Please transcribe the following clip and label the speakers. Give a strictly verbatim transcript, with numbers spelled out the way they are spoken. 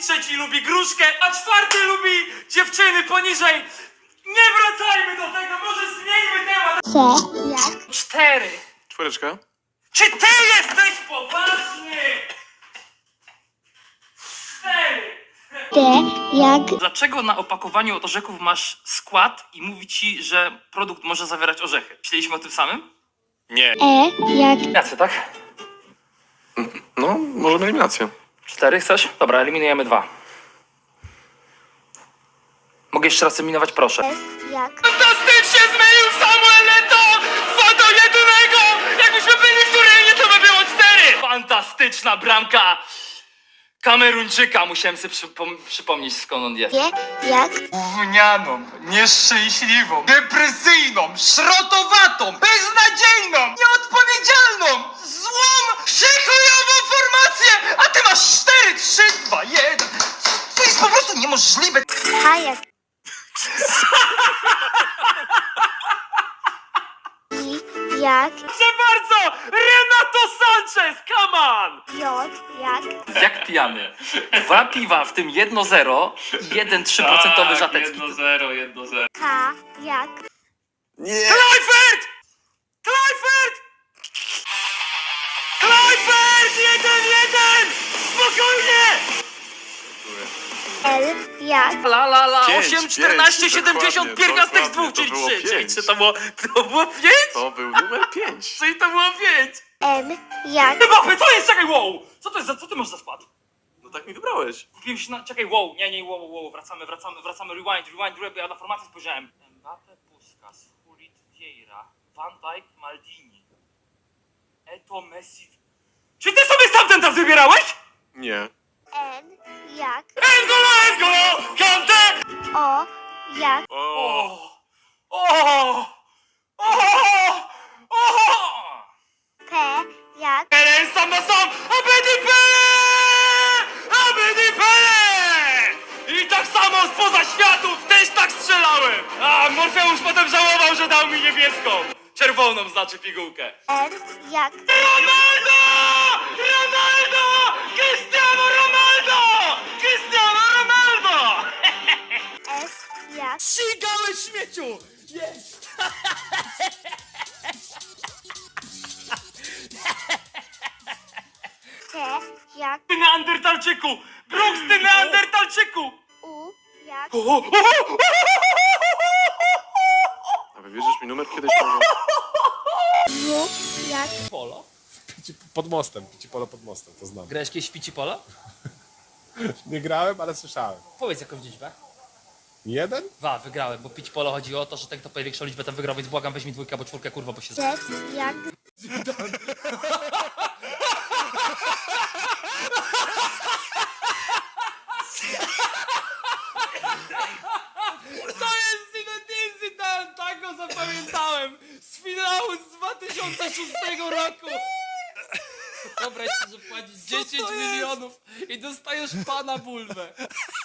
Speaker 1: trzeci lubi gruszkę, a czwarty lubi dziewczyny poniżej. Nie wracajmy do tego, może zmieńmy temat.
Speaker 2: C jak
Speaker 1: Cztery.
Speaker 3: Czwóreczka.
Speaker 1: Czy ty jesteś poważny? Cztery.
Speaker 2: D jak
Speaker 1: Dlaczego na opakowaniu od orzeków masz skład i mówi ci, że produkt może zawierać orzechy? Myśleliśmy o tym samym?
Speaker 3: Nie.
Speaker 2: E jak
Speaker 1: Jacy, tak?
Speaker 3: No, możemy eliminację.
Speaker 1: Cztery chcesz? Dobra, eliminujemy dwa. Mogę jeszcze raz eliminować, proszę.
Speaker 2: S jak
Speaker 1: Fantastycznie zmienił Samuel Eto'o! Dwa do jednego! Jakbyśmy byli w Turynie, to by było cztery! Fantastyczna bramka Kameruńczyka. Musiałem sobie przypom- przypomnieć, skąd on jest.
Speaker 2: G jak
Speaker 1: Gównianą, nieszczęśliwą, depresyjną, szrotowatą, beznadziejną, nieodpowiedzialną, złą, przekojową formację! A ty masz cztery, trzy, dwa, jeden! To jest po prostu niemożliwe!
Speaker 2: H jak I jak
Speaker 1: Proszę bardzo! Renato Sanchez, come on!
Speaker 2: J jak
Speaker 1: Jak pijany. Dwa piwa, w tym jedno zero i jeden trzy procent żatecki.
Speaker 4: jedno zero, jedno zero.
Speaker 2: K jak
Speaker 3: Nie.
Speaker 1: Kleifert! Kleifert! Kleifert! Jeden, jeden! Spokojnie!
Speaker 2: L jak
Speaker 1: La la la,
Speaker 3: Pięć,
Speaker 1: osiem,
Speaker 3: pięć,
Speaker 1: czternaście, siedemdziesiąt,
Speaker 3: dokładnie,
Speaker 1: pierwiastek z
Speaker 3: dokładnie,
Speaker 1: dwóch,
Speaker 3: to
Speaker 1: czyli
Speaker 3: było
Speaker 1: trzy. Czyli
Speaker 3: pięć.
Speaker 1: czy to było, to było pięć?
Speaker 3: To był numer pięć.
Speaker 1: Czyli to było pięć.
Speaker 2: M jak
Speaker 1: Mbappé, co jest? Czekaj, wow! Co to jest za, co ty masz za skład?
Speaker 3: No tak mi wybrałeś.
Speaker 1: Kupiłem się na, czekaj, wow, nie, nie, wow, wow, wracamy, wracamy, wracamy, rewind, rewind, rewind, ja na formację spojrzałem. Mbappé, Puskas, Hulit, Vieira, Van Dijk, Maldini, Eto, Messi. Czy ty sobie sam ten czas wybierałeś?
Speaker 3: Nie.
Speaker 2: N jak
Speaker 1: Engolo, Engolo, Kante!
Speaker 2: O jak
Speaker 3: O.
Speaker 1: O! O! O! O!
Speaker 2: P jak
Speaker 1: Pele sam na sam! Abedi Pele! Abedi Pele! I tak samo spoza światów też tak strzelałem! A Morfeusz potem żałował, że dał mi niebieską! Czerwoną znaczy pigułkę.
Speaker 2: R jak
Speaker 1: Ronaldo! Ronaldo! Cristiano Ronaldo! Cristiano Ronaldo!
Speaker 2: S jak
Speaker 1: Ścigałeś śmieciu! Jest!
Speaker 2: T jak
Speaker 1: Ty Neandertalczyku! Brooks, ty Neandertalczyku!
Speaker 2: U jak
Speaker 1: O, o, o, o,
Speaker 3: A wybierzesz mi numer kiedyś? Może?
Speaker 2: W jak
Speaker 1: Polo?
Speaker 5: Pici pod mostem, pici polo pod mostem, to znam.
Speaker 1: Grałeś kiedyś w Pici Polo?
Speaker 5: Nie grałem, ale słyszałem.
Speaker 1: Powiedz jakąś liczbę.
Speaker 5: Jeden?
Speaker 1: Dwa, wygrałem, bo Pici Polo chodziło o to, że ten kto największą liczbę tam wygrał, więc błagam, weź mi dwójkę albo czwórkę, kurwa, bo się...
Speaker 2: Z jak
Speaker 1: To jest Zinedine Zidane, tak go zapamiętałem! Z finału z dwa tysiące szóstego roku! Wyobraź sobie, że płacisz dziesięć milionów i dostajesz pana bulwę.